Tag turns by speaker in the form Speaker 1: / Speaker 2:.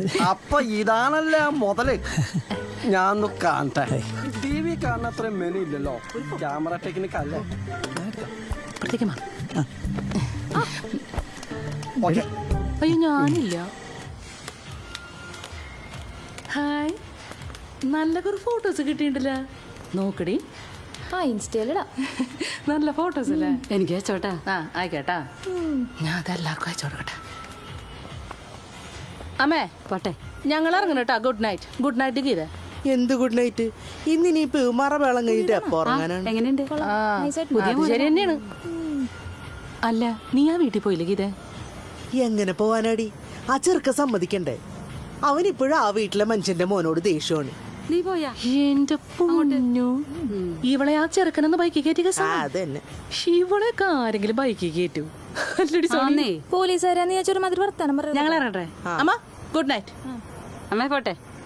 Speaker 1: അപ്പൊ ഇതാണല്ലേ മുതല്. ഞാൻ ഒന്ന് കാണട്ടെ. ടി വി കാണുന്ന അത്രയും മെനു ഇല്ലല്ലോ. ക്യാമറ ടെക്നിക് അല്ലേ?
Speaker 2: അയ്യോ ഞാനില്ല. ഹായ്, നല്ല കുറെ ഫോട്ടോസ് കിട്ടിയിട്ടില്ല. നോക്കടി.
Speaker 3: ഇൻസ്റ്റയിലിടാ.
Speaker 2: നല്ല ഫോട്ടോസ് അല്ലേ?
Speaker 4: എനിക്ക് അയച്ചോട്ടാ.
Speaker 2: ആയിക്കോട്ടാ. ഞാൻ അതെല്ലാവർക്കും അയച്ചു കൊടുക്കട്ടെ. അമ്മേ
Speaker 4: പോട്ടെ,
Speaker 2: ഞങ്ങൾ ഇറങ്ങണം കേട്ടാ. Good night. Good night Geetha.
Speaker 5: എന്ത് ഗുഡ് നൈറ്റ്? ഇന്നിനിയിപ്പോ മറവേളം കഴിഞ്ഞിട്ട് എപ്പോ ഉറങ്ങാനാണ്?
Speaker 4: എങ്ങനെയുണ്ട്?
Speaker 2: ശരി തന്നെയാണ്. അല്ല, നീ ആ വീട്ടിൽ പോയില്ലേ ഗീത?
Speaker 5: എങ്ങനെ പോവാനാടി? ആ ചെറുക്ക സമ്മതിക്കണ്ടേ? അവനിപ്പോഴും ആ വീട്ടിലെ മനുഷ്യന്റെ മോനോട് ദേഷ്യമാണ്.
Speaker 4: നീ പോയാ?
Speaker 2: എന്റെ പൊന്നു, ഇവളെ ആ ചെറുക്കനെന്ന് ബൈക്ക് കയറ്റിയ
Speaker 5: അതന്നെ.
Speaker 2: ഇവളെയൊക്കെ ആരെങ്കിലും ബൈക്ക് കയറ്റൂ?
Speaker 3: പോലീസുകാരാന്ന് ചോദിച്ചൊരു മാതിരി വർത്താനം പറയാം.
Speaker 4: ഞങ്ങൾ ഇറങ്ങട്ടെ.
Speaker 2: അമ്മ ഗുഡ് നൈറ്റ്.
Speaker 4: അമ്മേ പോട്ടെ.